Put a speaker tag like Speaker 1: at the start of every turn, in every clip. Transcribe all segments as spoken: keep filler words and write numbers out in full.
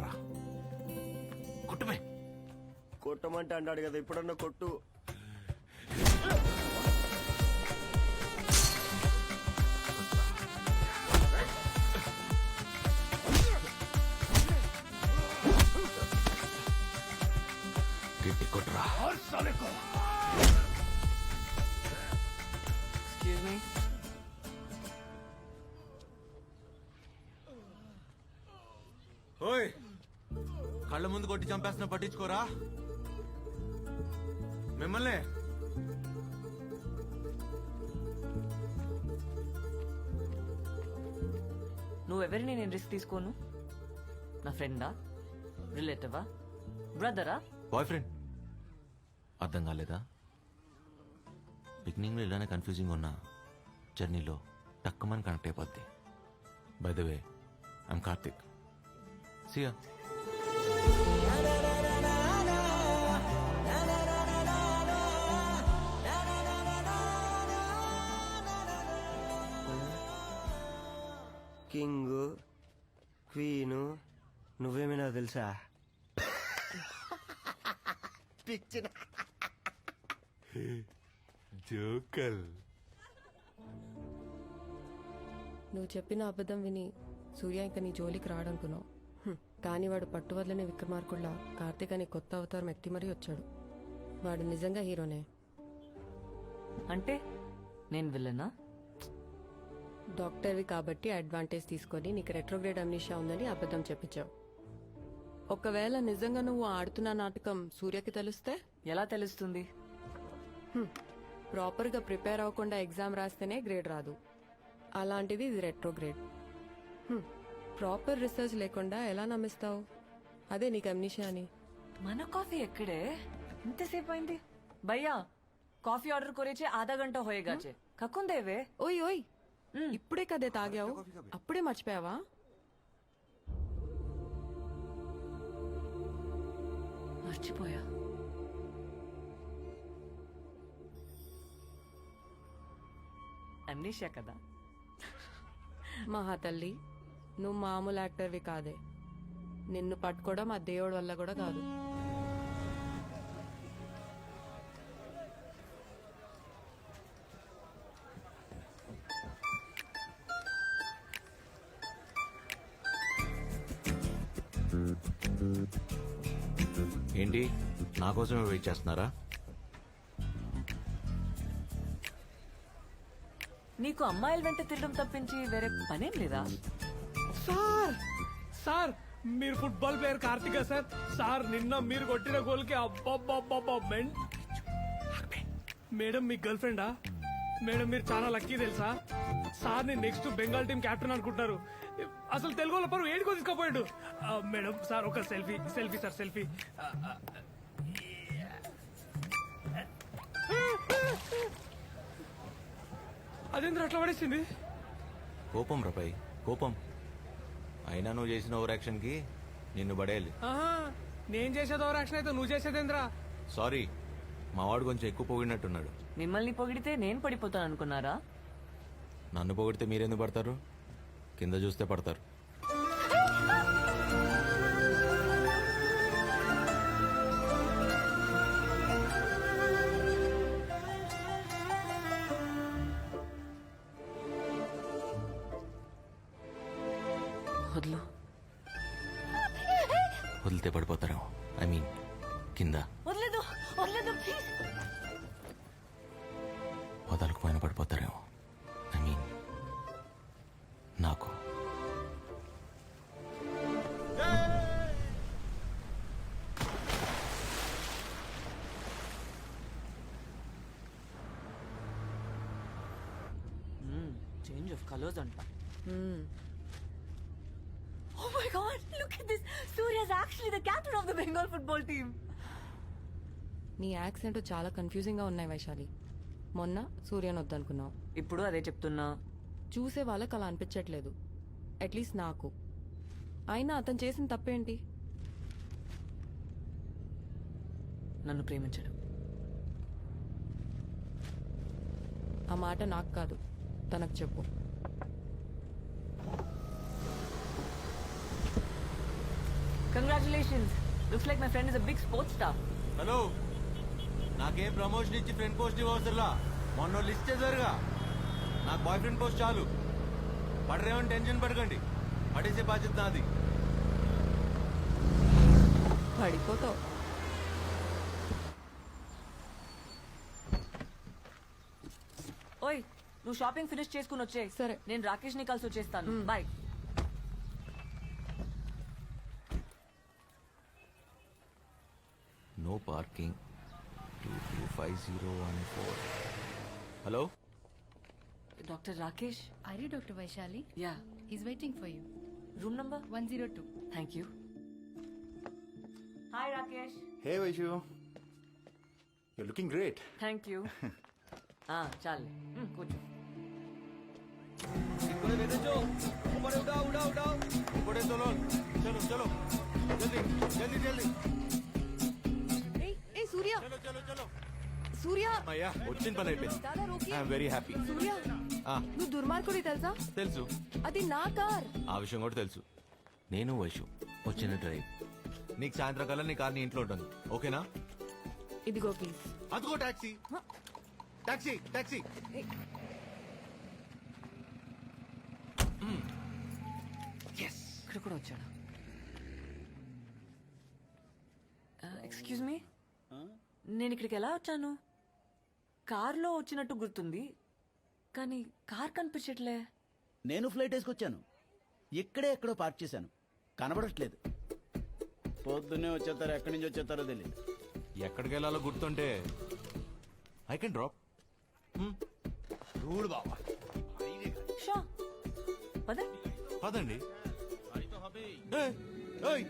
Speaker 1: కొట్రా కొట్టుమే.
Speaker 2: కొట్టమంటే అంటాడు కదా, ఇప్పుడన్నా కొట్టు.
Speaker 1: గట్టి కొట్రా.
Speaker 3: Excuse me.
Speaker 1: ఓయ్ కళ్ళ ముందు కొట్టి చంపేస్తున్నా పట్టించుకోరా మిమ్మల్ని.
Speaker 3: నువ్వెవరిని నేను రిస్క్ తీసుకోను. నా ఫ్రెండా, రిలేటివా, బ్రదరా?
Speaker 1: Boy friend. అర్థం కాలేదా? బిగినింగ్ లో ఇలానే కన్ఫ్యూజింగ్ ఉన్నా జర్నీలో టక్కుమని కనెక్ట్ అయిపోద్ది. By the way I'm Karthik. Siya.
Speaker 2: King queen నువ్వేమైనా తెలుసా? పిచ్చిన
Speaker 1: జోకల్.
Speaker 4: నువ్వు చెప్పిన అబద్ధం విని సూర్య ఇంకా నీ జోలికి రాడనుకున్నావు. హ్మ్. కానీ వాడు పట్టువదలని విక్రమార్కుల్లా కార్తీక్ అని కొత్త అవతారం ఎత్తి మరీ వచ్చాడు. వాడు నిజంగా హీరోనే.
Speaker 3: అంటే నేను విల్లనా?
Speaker 4: డాక్టర్వి కాబట్టి అడ్వాంటేజ్ తీసుకొని నీకు రెట్రోగ్రేడ్ అమ్నీషియా ఉందని అబద్ధం చెప్పించావు. ఒకవేళ నిజంగా నువ్వు ఆడుతున్న నాటకం సూర్యకి తెలిస్తే?
Speaker 3: ఎలా తెలుస్తుంది?
Speaker 4: ప్రాపర్గా ప్రిపేర్ అవ్వకుండా ఎగ్జామ్ రాస్తేనే గ్రేడ్ రాదు. అలాంటిది ఇది రెట్రోగ్రేడ్. ప్రాపర్ రీసెర్చ్ లేకుండా ఎలా నమ్మిస్తావు? అదే నీకు అమ్నీషియా అని.
Speaker 3: మన కాఫీ ఎక్కడే? ఇంతసేపు అయింది. భయ్యా కాఫీ ఆర్డర్ కొరేచే ఆధా గంట హోయేగాచే. కక్కుందేవే.
Speaker 4: ఓయ్ ఓయ్, ఇప్పుడే కదే తాగావు, అప్పుడే మర్చిపోయావా?
Speaker 3: మర్చిపోయా. అమ్నీషియా కదా.
Speaker 4: మహా తల్లి, నువ్వు మామూలు యాక్టర్వి కాదే. నిన్ను పట్టుకోవడం ఆ దేవుడి వల్ల కూడా కాదు.
Speaker 1: ఏంటి నా కోసమే వెయిట్ చేస్తున్నారా?
Speaker 3: నీకు అమ్మాయిల వెంట తిరగడం తప్పించి వేరే పనేం లేదా?
Speaker 5: సార్ సార్ మీరు football player Karthika sir. Sir నిన్న మీరు కొట్టిన గోల్ కి అబ్బబ్బబ్బబ్బా మెంట్. మేడం మీ గర్ల్ ఫ్రెండా? మేడం మీరు చాలా లక్కీ తెలుసా. సార్ ని నెక్స్ట్ బెంగాల్ టీం కెప్టెన్ అనుకుంటున్నారు. అసలు తెలుగు వాళ్ళ పరువు ఏడుకో తీసుకుపోయాడు. మేడం సార్ ఒక సెల్ఫీ సెల్ఫీ సార్ సెల్ఫీ. అదేంద్ర అట్లా పడేసింది?
Speaker 1: కోపం రపై కోపం. అయినా నువ్వు చేసిన ఓవర్ యాక్షన్ కి నిన్ను పడేయాలి.
Speaker 5: నేను చేసేది ఓవర్ యాక్షన్ అయితే నువ్వు చేసేదేంద్రా?
Speaker 1: సారీ, మా వాడు కొంచెం ఎక్కువ పొగిడినట్టున్నాడు.
Speaker 3: మిమ్మల్ని పొగిడితే నేను పడిపోతాను అనుకున్నారా?
Speaker 1: నన్ను పొగిడితే మీరెందుకు పడతారు? కింద చూస్తే పడతారు.
Speaker 3: వదిలు.
Speaker 1: వదిలితే పడిపోతారేమో. ఐ మీన్ కింద.
Speaker 3: వదలేదు వదలేదు ప్లీజ్.
Speaker 1: వదలకపోయినా పడిపోతారేమో. ఐ మీన్ నాకు.
Speaker 3: చేంజ్ ఆఫ్ కలర్స్ అంట.
Speaker 4: Hmm.
Speaker 3: Oh my God! Look at this. Surya is actually the captain of the Bengal football team.
Speaker 4: నీ యాక్సెంట్ చాలా కన్ఫ్యూజింగ్ గా ఉన్నాయి వైశాలి. మొన్న సూర్యన్ వద్దనుకున్నావు,
Speaker 3: ఇప్పుడు అదే చెప్తున్నా.
Speaker 4: చూసే వాళ్ళకి అలా అనిపించట్లేదు, అట్లీస్ట్ నాకు. అయినా అతను చేసిన తప్పేంటి?
Speaker 3: నన్ను ప్రేమించడు.
Speaker 4: ఆ మాట నాకు కాదు, తనకు చెప్పు.
Speaker 3: Congratulations looks like my friend is a big sports star.
Speaker 1: Hello, నాకేం ప్రమోషన్ ఇచ్చి ఫ్రెండ్ పోస్ట్ ఇవ్వసరులా. మొన్న లిస్ట్ చేశారుగా, నాకు బాయ్ ఫ్రెండ్ పోస్ట్ చాలు. పడరేమని టెన్షన్ పడకండి, పడేసే బాధ్యత నాది.
Speaker 4: పడిపోతావు.
Speaker 3: ఓయ్, నువ్వు షాపింగ్ ఫినిష్ చేసుకుని వచ్చే.
Speaker 4: సరే.
Speaker 3: నేను రాకేష్ ని కలిసి వచ్చేస్తాను. Bye.
Speaker 1: No parking. Two two five zero one four. Hello,
Speaker 3: doctor Rakesh.
Speaker 6: Are you Doctor Vaishali?
Speaker 3: Yeah.
Speaker 6: He's waiting for you.
Speaker 3: Room number
Speaker 6: one oh two.
Speaker 3: Thank you. Hi Rakesh.
Speaker 7: Hey Vaishu, you're looking great.
Speaker 3: Thank you. చాలు కూర్చో.
Speaker 1: ఇప్పుడే చలో చలో చలో జల్దీ జల్దీ జల్దీ
Speaker 4: ఏయ్, ఏయ్, సూర్య
Speaker 1: చలో చలో చలో.
Speaker 4: సూర్య
Speaker 1: అయ్యా, వచ్చిన పని అయిపోయింది.
Speaker 4: దాదా రోకి.
Speaker 1: I'm very happy.
Speaker 4: సూర్య నువ్వు దుర్మార్గుడి తెలుసా?
Speaker 1: తెలుసు,
Speaker 4: అది నా కార్.
Speaker 1: ఆ విషయం కూడా తెలుసు. నేను వైషు వచ్చిన డ్రైవ్. నీకు సాయంత్రం కల్లా నీ కార్ నీ ఇంట్లో ఉంటుంది, ఓకేనా?
Speaker 4: ఇదిగో ప్లీజ్.
Speaker 1: అదిగో టాక్సీ టాక్సీ టాక్సీ.
Speaker 3: ఇక్కడ కూడా వచ్చాడు. ఎక్స్క్యూజ్ మీ, నేను ఇక్కడికి ఎలా వచ్చాను? కార్లో వచ్చినట్టు గుర్తుంది, కానీ కార్ కనిపించట్లే.
Speaker 8: నేను ఫ్లైట్ వేసుకొచ్చాను. ఇక్కడే ఎక్కడో పార్క్ చేశాను, కనబడట్లేదు. పొద్దున్నే వచ్చేస్తారో ఎక్కడి నుంచి వచ్చేస్తారో తెలియదు.
Speaker 1: ఎక్కడికి వెళ్ళాలో గుర్తుంటే ఐ కెన్ డ్రాప్.
Speaker 8: రూడ్ బాబా.
Speaker 3: షో పద.
Speaker 1: పదండి. ఏయ్, ఏయ్.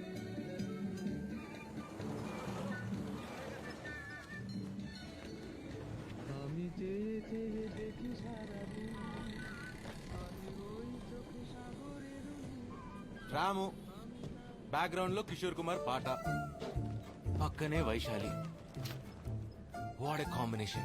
Speaker 1: రాము, బ్యాక్గ్రౌండ్ లో కిషోర్ కుమార్ పాట, పక్కనే వైశాలి. What a combination.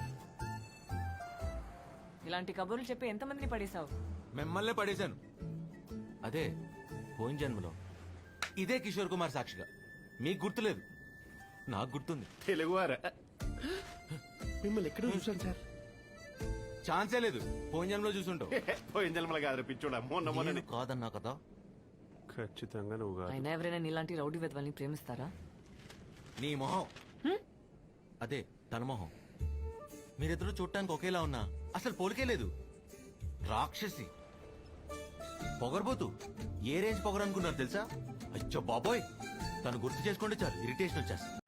Speaker 3: ఇలాంటి కబుర్లు చెప్పి ఎంతమందిని పడేశావు?
Speaker 1: మిమ్మల్నే పడేశాను. అదే పోయిన జన్మలో ఇదే కిషోర్ కుమార్ సాక్షిగా. మీకు గుర్తులేదు, నాకు గుర్తుంది.
Speaker 7: తెలుగువారా? మిమ్మల్ని ఎక్కడ చూసాను సార్?
Speaker 1: ఛాన్సే లేదు, పోయిన జన్మలో చూసుంటావు.
Speaker 7: పోయిన జన్మల కాదు పిచ్చోడా, మొన్న మొన్న
Speaker 1: నేను కాదన్నా కదా.
Speaker 7: ఖచ్చితంగా నువ్వు కాదు.
Speaker 3: అయినా ఎవరైనా నీలాంటి రౌడీ వెధవల్ని ప్రేమిస్తారా?
Speaker 1: నీ మొహం అదే తన మొహం. మీరిద్దరూ చూడటానికి ఒకేలా ఉన్నా అసలు పోలికే లేదు. రాక్షసి, పొగరబోతు. ఏ రేంజ్ పొగరనుకున్నారు తెలుసా? అచ్చో బాబోయ్, తను గుర్తు చేసుకుంటే చాలు ఇరిటేషన్ వచ్చేస్తుంది.